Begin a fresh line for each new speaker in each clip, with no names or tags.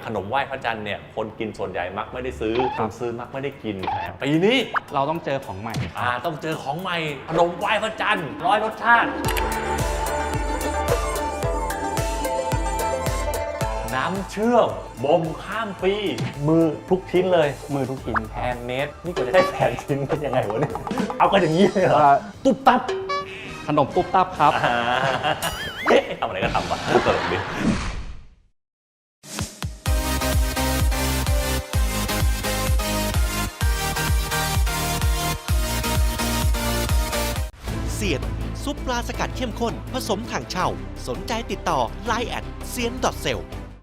ขนมไหว้พระจันทร์เนี่ยคนกินส่วนใหญ่มักไม่ได้ซื้อคนซื้อมักไม่ได้กินนะปีนี้
เราต้องเจอของใหม่
ต้องเจอของใหม่ขนมไหว้พระจันทร์100 รสชาติน้ำเชื่อมบ่มข้ามปีมือทุกชิ้นเลย
มือทุกชิ้น
แฮนด์เมดนี่ก็จะได้แผนชิ้นเป็นยังไงวะเนี่ยเอากันอย่างนี้เลยเหรอตุ๊บตับ
ขนมตุ๊บตับครับ
ทำอะไรก็ทำวะตลกดิ
เซียนซุปปลาสกัดเข้มข้นผสมถังเช่าสนใจติดต่อ Line@ เซียน.เซล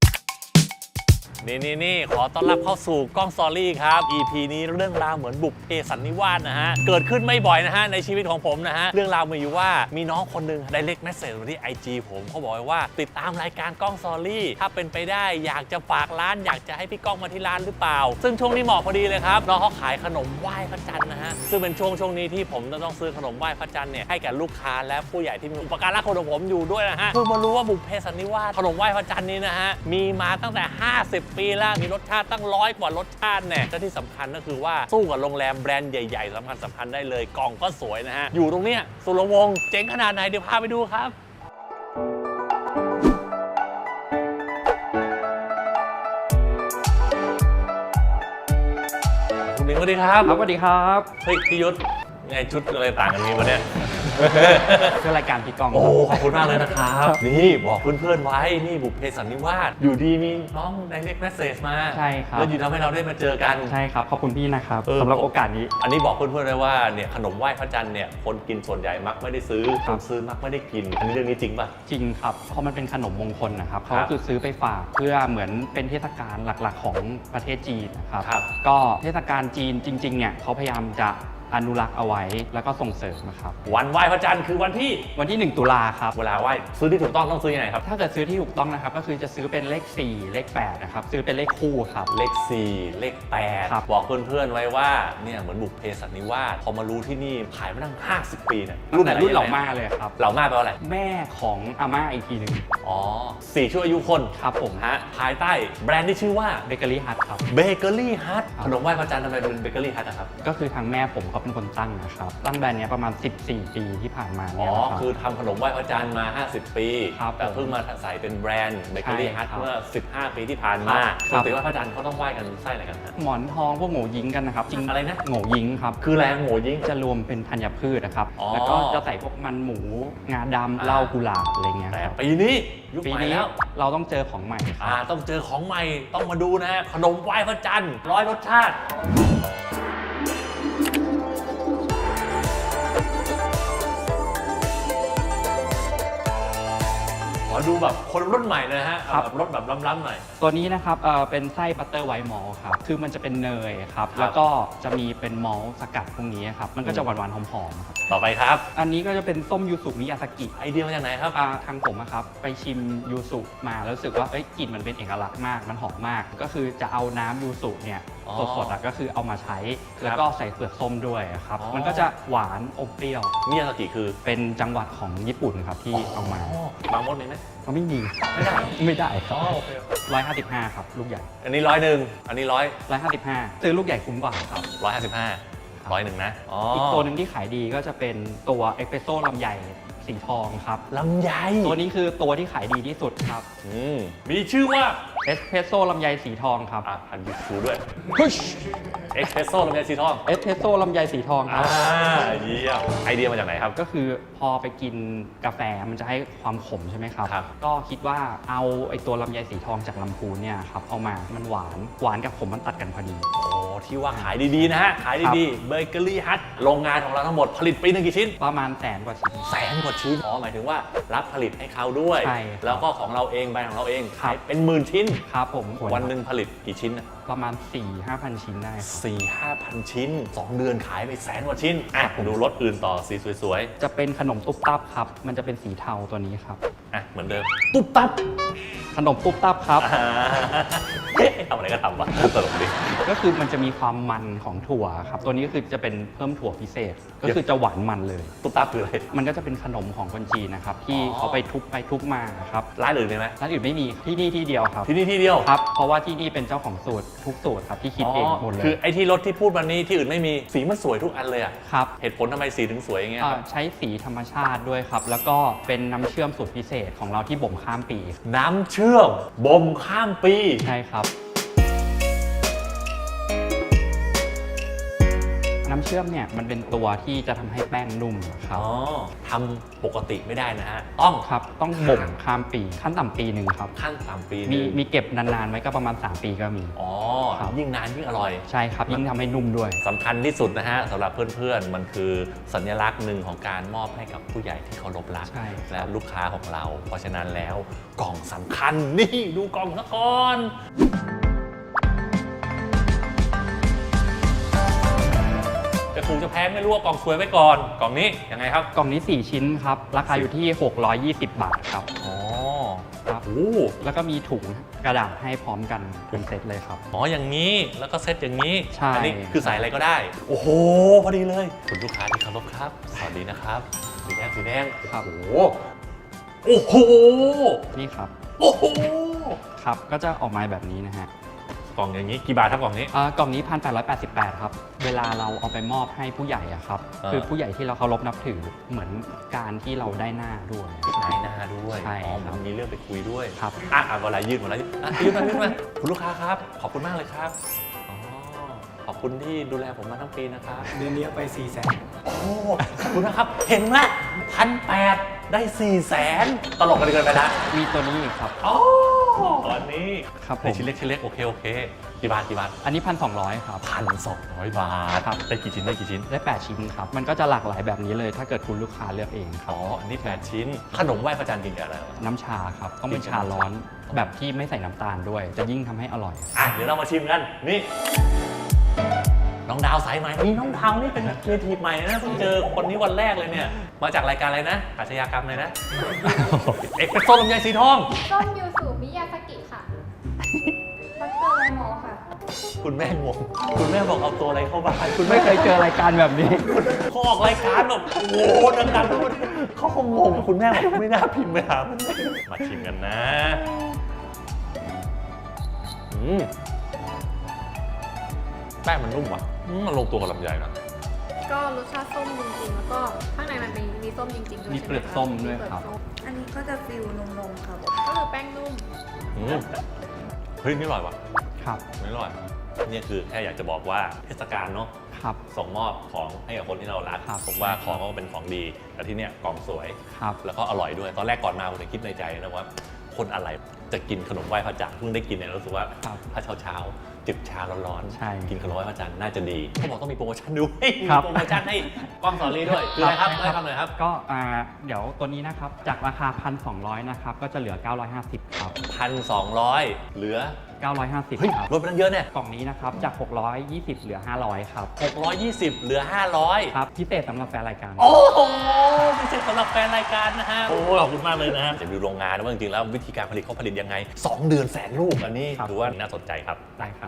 นี่ขอต้อนรับเข้าสู่กล้องสตอรี่ครับ EP นี้เรื่องราวเหมือนบุพเพสันนิวาสนะฮะเกิดขึ้นไม่บ่อยนะฮะในชีวิตของผมนะฮะเรื่องราวมีอยู่ว่ามีน้องคนหนึ่งได้เล็กเมสเซจมาที่ IG ผมเขาบอกว่าติดตามรายการกล้องสตอรี่ถ้าเป็นไปได้อยากจะฝากร้านอยากจะให้พี่ก้องมาที่ร้านหรือเปล่าซึ่งช่วงนี้เหมาะพอดีเลยครับน้องเขาขายขนมไหว้พระจันทร์นะฮะซึ่งเป็นช่วงนี้ที่ผมต้องซื้อขนมไหว้พระจันทร์เนี่ยให้แก่ลูกค้าและผู้ใหญ่ที่มีอุปการะคุณของผมอยู่ด้วยนะฮะเพิ่งมารู้ว่าบุพเพสันนิวาสขนมไหว้พระจันทร์นี้นะฮะมีมาตั้งแต่50 ปีแล้วมีรสชาติตั้ง100 กว่ารสชาติเนี่ยและที่สำคัญก็คือว่าสู้กับโรงแรมแบรนด์ใหญ่ๆสำคัญได้เลยกล่องก็สวยนะฮะอยู่ตรงเนี้ยสุรวงศ์เจ๋งขนาดไหนเดี๋ยวพาไปดูครับคุณลิงสวัสดีครับ
สวัสดีครับ
เฮ้ยพี่ยุทธไงชุดอะไรต่างกันนี้วะเนี่ย
เพื่อรายการพี่กอง
โอ้ขอบคุณมากเลยนะครับนี่บอกเพื่อนๆไว้นี่บุพเพสันนิวาสอยู่ดีมีน้องไดเรกเมสเซจมา
ใช่ครับ
แล้วอยู่ทำให้เราได้มาเจอกัน
ใช่ครับขอบคุณพี่นะครับสำหรับโอกาสนี้
อันนี้บอกเพื่อนๆเลยว่าเนี่ยขนมไหว้พระจันทร์เนี่ยคนกินส่วนใหญ่มักไม่ได้ซื้อคนซื้อมักไม่ได้กินอันนี้เรื่องนี้จริงป่ะ
จริงครับเพราะมันเป็นขนมมงคลนะครับเขาคือซื้อไปฝากเพื่อเหมือนเป็นเทศกาลหลักๆของประเทศจีนนะครับก็เทศกาลจีนจริงๆเนี่ยเขาพยายามจะอนุรักษ์เอาไว้แล้วก็ส่งเสริมนะครับ
วันไหว้พระจันทร์คือวันที่
1 ตุลาครับ
เวลาไหว้ซื้อที่ถูกต้องซื้อยังไงครับ
ถ้าเกิดซื้อที่ถูกต้องนะครับก็คือจะซื้อเป็นเลข4เลข8นะครับซื้อเป็นเลขคู่ครับ
เลข4เลข8บอกเพื่อนๆไว้ว่าเนี่ยเหมือนบุพเพสันนิวาสพอมารู้ที่นี่ขายมาตั้ง50 ปีเนี่ย
รุ่นเหล่าม่าเลยครับ
เหล่าม่าแปลว่าอะไร
แม่ของอาม่าอีกทีหนึ่ง
อ๋อ4 ชั่วอายุคน
ครับผม
ฮะภายใต้แบรนด์ที่ชื่อว่า
เบเกอรี่ฮัทครับ
เบเกอรี่ฮัทขนมไหว้พระจันทร์ทำไมเป็นเบเกอรี่ฮัทนะครับ
ก็คือทางแม่ผมเขาเป็นคนตั้งนะครับตั้งแบรนด์นี้ประมาณ14 ปีที่ผ่านมา
เนี่ยคือทำขนมไหว้พระจันทร์มา50 ปีแต่เพิ่งมาใส่เป็นแบรนด์เบเกอรี่ฮัทเมื่อ15 ปีที่ผ่านมาปกติว่าพระจันทร์เขาต้องไหว้กันไส้อะไรกันฮะ
หมอนทองพวกโง่ยิงกันนะครับ
จริงอะไรนะ
โง่ยิงครับ
คืออะไรโง่ยิง
จะรวมเป็นธัญพืชนะครับแล้วก็จะใส่พวกมันหมูงาดำเหล้ากุหลาบอะไรเงี้ย
แต่ปีนี้ยุคใหม่แล้ว
เราต้องเจอของใหม่
ต้องเจอของใหม่ต้องมาดูนะขนมไหว้พระจันทร์100 รสชาติขอดูแบบคนรุ่นใหม่เลยฮะแบบรสแบบล้ำๆหน่อย
ตัวนี้นะครับเป็นไส้บัตเตอร์ไวท์มอลต์ครับคือมันจะเป็นเนยครับแล้วก็จะมีเป็นมอลต์สกัดพวกนี้ครับมันก็จะหวานๆหอมๆครับ
ต่อไปครับ
อันนี้ก็จะเป็นส้มยูสุมิยาสกิ
ไอเดียมาจากไหนครับ
ทางผมครับไปชิมยูสุมาแล้วรู้สึกว่ากลิ่นมันเป็นเอกลักษณ์มากมันหอมมากก็คือจะเอาน้ำยูสุเนี่ยสดๆก็คือเอามาใช้แล้วก็ใส่เปลือกส้มด้วยครับมันก็จะหวานอมเปรี้ยว
มิยาสกิคือ
เป็นจังหวัดของญี่ปุ่นครับที่เอามา
บางมดมีไหม
เขาไม่มีไม่ได้ครับ155ครับลูกใหญ่
อันนี้101อันนี้
155ซื้อลูกใหญ่คุ้มกว่าครับ
155 101นะ
อีกตัวหนึ่งที่ขายดีก็จะเป็นตัวเอสเปรสโซ่ลำไยสีทองครับ
ลำไย
ตัวนี้คือตัวที่ขายดีที่สุดครับ
มีชื่อว่า
เอสเพรสโซ่ลำไยสีทองครับ
พันบิสูด้วยเอสเพรสโซ่ลำไยสีทอง
เอสเพรสโซ่ลำไยสีทองครับ
เยี่ยมไอเดียมาจากไหนครับ
ก็คือพอไปกินกาแฟมันจะให้ความขมใช่ไหมครับก็คิดว่าเอาไอตัวลำไยสีทองจากลำพูนเนี่ยครับเอามามันหวานกับขมมันตัดกันพอดี
ที่ว่าขายดีๆนะฮะขายดีๆเบเกอรี่ฮัทโรงงานของเราทั้งหมดผลิตปีนึงกี่ชิ้น
ประมาณ100,000 กว่าชิ้น
100,000 กว่าชิ้นหมายถึงว่ารับผลิตให้เขาด้วยแล้วก็ของเราเองแบรนด์ของเราเองขายเป็น10,000 ชิ้น
ครับผม
วันหนึ่งผลิตกี่ชิ้น
ประมาณ 4-5,000 ชิ้นได้
4-5,000 ชิ้น2 เดือนขายไป100,000 กว่าชิ้นดูรถอื่นต่อสีสวย
ๆจะเป็นขนมตุ๊บตับครับมันจะเป็นสีเทาตัวนี้ครับ
เหมือนเดิมตุ๊บตับ
ขนมตุ๊บตับครับ
ทำอะไรก็ทำวะตลกดิ
ก็คือมันจะมีความมันของถั่วครับตัวนี้ก็คือจะเป็นเพิ่มถั่วพิเศษ ก็คือจะหวานมันเลย
ตุ๊บตับคืออะไร
มันก็จะเป็นขนมของคนจีนนะครับที่
อ๋อ
เขาไปทุบมาครับ
ร้านอื่นมีไหม
ร้านอื่นไม่มีที่นี่ที่เดียวครับ
ที่นี่ที่เดียว
ครับเพราะว่าที่นี่เป็นเจ้าของสูตรทุกสูตรครับที่คิดเองหมดเลย
คือไอ้ที่รถที่พูดวันนี้ที่อื่นไม่มีสีมันสวยทุกอันเลยอะ
ครับ
เหตุผลทำไมสีถึงสวยอย่างเงี้ยครับ
ใช้สีธรรมชาติด้วยครับ แล้วก็เป็นน้ำเชื่อมสูตรพิเศษของเราที่บ่มข้ามปี
น้ำเชื่อมบ่มข้ามปี
ใช่ครับ น้ำเชื่อมเนี่ยมันเป็นตัวที่จะทำให้แป้งนุ่มครับ
อ๋อทำปกติไม่ได้นะฮะ ต้อง
ครับต้องบ่มข้ามปีขั้นต่ำปีหนึ่งครับ
ขั้นต่ำปีห
มี
นึง
มีเก็บนานๆไว้ก็ประมาณ 3 ปีก็มี
อ๋อ
ครับ
ยิ่งนานยิ่งอร่อย
ใช่ครับยิ่งทำให้นุ่มด้วย
สำคัญที่สุดนะฮะสำหรับเพื่อนๆ มันคือสัญลักษณ์หนึ่งของการมอบให้กับผู้ใหญ่ที่เคารพรัก
ใช่
และลูกค้าของเรา เพราะฉะนั้นแล้วกล่องสำคัญนี่ดูกล่องซะก่อนจะถูกจะแพงไม่รู้ว่ากล่องสวยไว้ก่อนกล่องนี้ยังไงครับ
กล่องนี้ 4 ชิ้นครับ ราคาอยู่ที่ 620 บาทครับ
อ๋อ
ครับ
โอ้
แล้วก็มีถุงกระดาษให้พร้อมกันเป็นเซตเลยครับ
อ๋ออย่างนี้แล้วก็เซตอย่างนี้
ใช่
อันี้คือใส่อะไรก็ได้ โอ้โหพอดีเลยคุณลูกค้าที่เคารพครับสวัสดีนะครับสีแดงสีแดง
ครับ
โอ้โหโอ้โห
นี่ครับ
โอ้โห
ครับ ก็จะออกมาแบบนี้นะฮะ
กล่องอย่างนี้กี่บาทครับกล่องนี้
กล่องนี้ 1,888 ครับ เวลาเราเอาไปมอบให้ผู้ใหญ่อะครับ คือผู้ใหญ่ที่เราเคารพนับถือเหมือนการที่เราได้หน้าด้วย
นายหน้าด้วย
ใช่
อ๋อ
ครับ
มันมีเรื่องไปคุยด้วย
ครับ
เวลายืดยืดมาคุณลูกค้าครับ ขอบคุณมากเลยครับอ๋อขอบคุณที่ดูแลผมมาทั้งปีนะครับ
เดือนนี้เอาไป400,000
โอ้ขอบคุณนะครับ เห็นไหม1,800ได้400,000ตลกกันเกินไปละ
มีตัวนี้อีกครับ
อ๋ออันนี้
ครับผม
ในชิ้นเล็กชิ้นเล็กโอเคกี่บาท
อันนี้ 1,200 ครับ
1,200 บาท
ครับ
ได้กี่ชิ้นได้กี่ชิ้น
ได้ 8 ชิ้นครับ มันก็จะหลากหลายแบบนี้เลย ถ้าเกิดคุณลูกค้าเลือกเองครั
อ๋
บ
ออันนี้8ชิ้น ขนมไหว้พระจันทร์กินกับอะไรวะ
น้ำชาครับ ต้องเป็นชาร้อนแบบที่ไม่ใส่น้ำตาลด้วย จะยิ่งทำให้อร่อย
เดี๋ยวเรามาชิมกัน นี่ น้องดาวสายไหมนี่น้องดาวนี่เป็นครีเอทีฟใหม่นะเพิ่งเจอคนนี้วันแรกเลยเนี่ย มาจากรายการอะไรนะอาชญากรรมเลยนะ เอ็กซ์เพรสโซ่ลำไยสีทอง
ส้มยูสุมิยาสกิค่ะดรไลมอค่ะ
คุณแม่งง คุณแม่บอกเอาตัวอะไรเข้าบ้านคุณ
ไม่เคยเจอรายการแบบนี้
เขาออกรายการแบบโอ้โหดังๆทุกคนเขาคงงงคุณแม่บอกไม่น่าพิมพ์ไปหามันมาชิมกันนะแป้งมันนุ่มว่ะมันลงตัวกับลำไยนะ
ก็รสชาติส้มจริงๆ แล้วก็ข้างในมันมีส้มจริงๆด้วย
มี
ใช่ไห
เปลือกส้มด้วยครับ
มีเปลือกส้ม
อันนี้ก็จะฟิลนมๆครับ
ก็คือแป้งนุ่ม
อืมเฮ้ยนี่อร่อยว่ะ
ครับ
นี่อร่อยเนี่ยคือแค่อยากจะบอกว่าเทศกาลเนาะ
ครับ
ส่งมอบของให้กับคนที่เรารัก
ครับ
ผมว่าของก็เป็นของดีแต่ที่เนี่ยกล่องสวย
ครับ
แล้วก็อร่อยด้วย ตอนแรกก่อนมาผมจะคิดในใจนะว่า คนอะไรจะกินขนมไหว้พระจันทร์เพิ่งได้กินเนี่ยรู้สึกว่า
ครับ
ถ้าเช้าๆจิบชาร้อน
ใช่
กินขนมไหว้พระจันทร์น่าจะดีเขาบอกต้องมีโปรโมชั่นด้วยมี
ครับ
โปรโมชั่นให้กล้องสอรี่ด้วยคืออะไรครับได้คำหน่อยครับ
ก็เดี๋ยวตัวนี้นะครับ จากราคา 1,200 นะครับ ก็จะเหลือ 950 ครับ
1,200 เหลือ
950
เฮ้ย
ครับ
ลดไปตั้งเยอะเนี่ย
กล่องนี้นะครับ จาก 620 เหลือ 500 ครับ
620 เหลือ 500
ครับ พิเศษสำหรับแฟนรายการ
โอ้โหพิเศษสำหรับแฟนรายการนะฮะ โอ้ขอบคุณมากเลยนะฮะจะดูโรงงานว่าจริงๆแล้ววิธีการผลิตเขาผลิตยังไง 2 เดือนแสนลูกอันนี้
ครับ
ถือว่าน่าสนใจครับ
ได้ครับ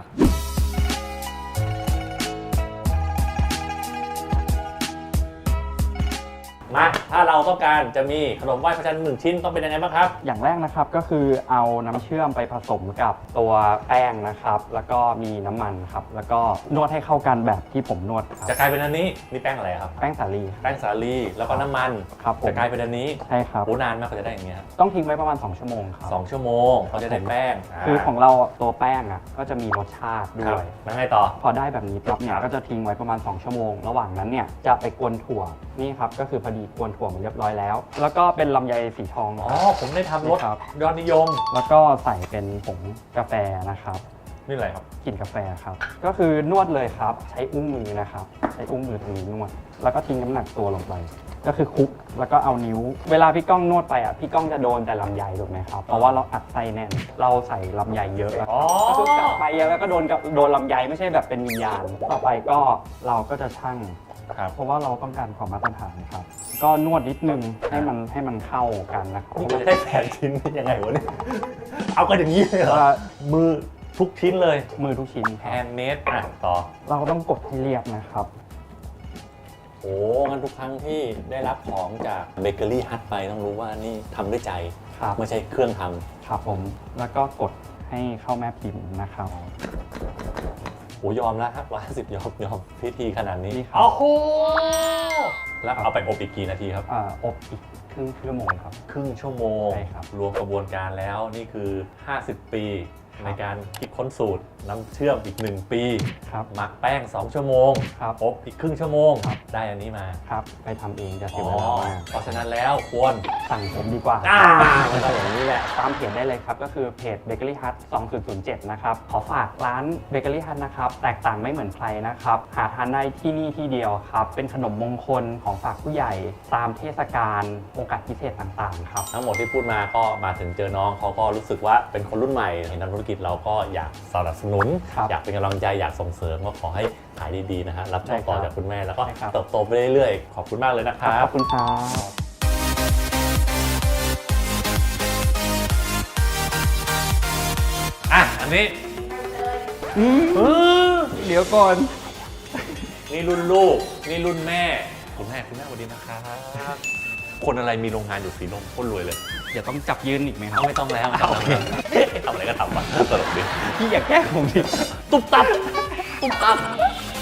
มาถ้าเราต้องการจะมีขนมไหว้พระจันทร์1 ชิ้นต้องเป็นยังไงบ้างครับ
อย่างแรกนะครับก็คือเอาน้ำเชื่อมไปผสมกับตัวแป้งนะครับ แล้วก็มีน้ำมันครับ แล้วก็นวดให้เข้ากันแบบที่ผมนวดครับ
จะกลายเป็นอันนี้นี่แป้งอะไรครับ
แป้งสาลี
แป้งสาลีแล้วก็น้ำมัน
ครับผม
จะกลายเป็นอันนี้
ใช่ครับ
โอ้นานมากกว่าจะได้อย่างเงี้ยครับ
ต้องทิ้งไว้ประมาณ 2 ชั่วโมงครับ
2 ชั่วโมงเขาจะได้แป้ง
คือของเราตัวแป้งอ่ะก็จะมีรสชาติด้
ครั
ว
บ
ย
แล้วไงต่อ
พอได้แบบนี้ปั๊บเนี่
ค
ย
รับ
ก็จะทิ้งไว้ประมาณ 2 ชั่วโมง ระหว่างนั้นเนี่ยจะไปกวนถั่วนี่ครับก็คือพอดีกวนถั่วมาเรียบร้อยแล้ว แล้วก็เป็นลำไยสีทอง
อ๋อผมได้ทำรส
ครับ
ยอดนิยม
แล้วก็ใส่เป็นผงกาแฟนะครับ
นี่อะไรครับ
กลิ่นกาแฟครับก็คือนวดเลยครับใช้อุ้งมือนะครับใช้อุ้งมือตรงนี้นวด แล้วก็ทิ้งน้ำหนักตัวลงไป ก็คือคลุกแล้วก็เอานิ้ว เวลาพี่ก้องนวดไปอ่ะพี่ก้องจะโดนแต่ลำไยถูกไหมครับเพราะว่าเราอัดไส้แน่นเราใส่ลำไยเยอะแล้ว
อ๋อ
ก็คือกลับไปแล้วก็โดนลำไยไม่ใช่แบบเป็นวิญญาณต่อไปก็เราก็จะชั่ง
ครับ
เพราะว่าเราต้องการความมาตรฐานครับ ก็นวดนิดนึงให้มันเข้ากันนะครับ
นี่ได้แผนชิ้นยังไงวะเนี่ย เอากันอย่างนี้เลยเหรอ มือทุกชิ้นเลย
มือทุกชิ้นค
แฮ
รับ
นด์เมดต่อ
เราก็ต้องกดให้เรียบนะครับ
โอ้งั้นทุกครั้งที่ได้รับของจากเบเกอรี่ฮัทไปต้องรู้ว่านี่ทำด้วยใจ
ครับ
ไม่ใช่เครื่องท
ครับผม แล้วก็กดให้เข้าแม่พิมพ์นะครับ
ำโอ้ยอมแล้วครับ150ยอมพิธีขนาดนี้
นี่ครับ
โอ้โหแล้วเอาไปอบอีกกี่นาทีครับ
อบอีกครึ่งชั่วโมงครับ
ครึ่งชั่วโมง
ใช่ครับ
รวมกระบวนการแล้วนี่คือ 50 ปี
ครับ
ในการคิดค้นสูตรน้ำเชื่อมอีก 1 ปี
ครับ
หมักแป้ง 2 ชั่วโมง
ครับ
อบอีกครึ่งชั่วโมง
ครับ
ได้อันนี้มา
ครับ ไปทำเองจะเสี
อ๋
ย
อ
เวลามาก
เพราะฉะนั้นแล้วควร
สั่งผมดีกว่า
มันก็อย่างนี้แหละ
ตามเพจได้เลยครับ ก็คือเพจ Bakery Hut 2007 นะครับ ขอฝากร้าน Bakery Hut นะครับ แตกต่างไม่เหมือนใครนะครับ หาทานได้ที่นี่ที่เดียวครับ เป็นขนมมงคลของฝากผู้ใหญ่ ตามเทศกาลโอกาสพิเศษต่างๆ ครับ
ทั้งหมดที่พูดมาก็มาถึงเจอน้องเขาก็รู้สึกว่าเป็นคนรุ่นใหม่เห็นทำธุรกิจเราก็อยากสนับสนุน
ครับ
อยากเป็นกำลังใจอยากส่งเสริมก็ขอให้ขายดีๆนะฮะรับช่วงต่อ
ใช่ครับ
จากคุณแม่แล้วก็
ใช่ครับ
เติบโตไปเรื่อยๆ ขอบคุณมากเลยนะครับ
ขอบคุณครับ
อ่ะอันนี้
เดี๋ยวก่อน
นี่รุ่นลูกนี่รุ่นแม่คุณแม่สวัสดีนะครับ คนอะไรมีโรงงานอยู่สีลมโคตรรวยเลย
เดี๋ยวต้องจับยืนอีกไหมครับ
ไม่ต้องแล้วโอเคทำอะไรก็ทำมาตลกดี
พี่อย่าแกล้งผมดิ
ตุ๊บตับตุ๊บตับ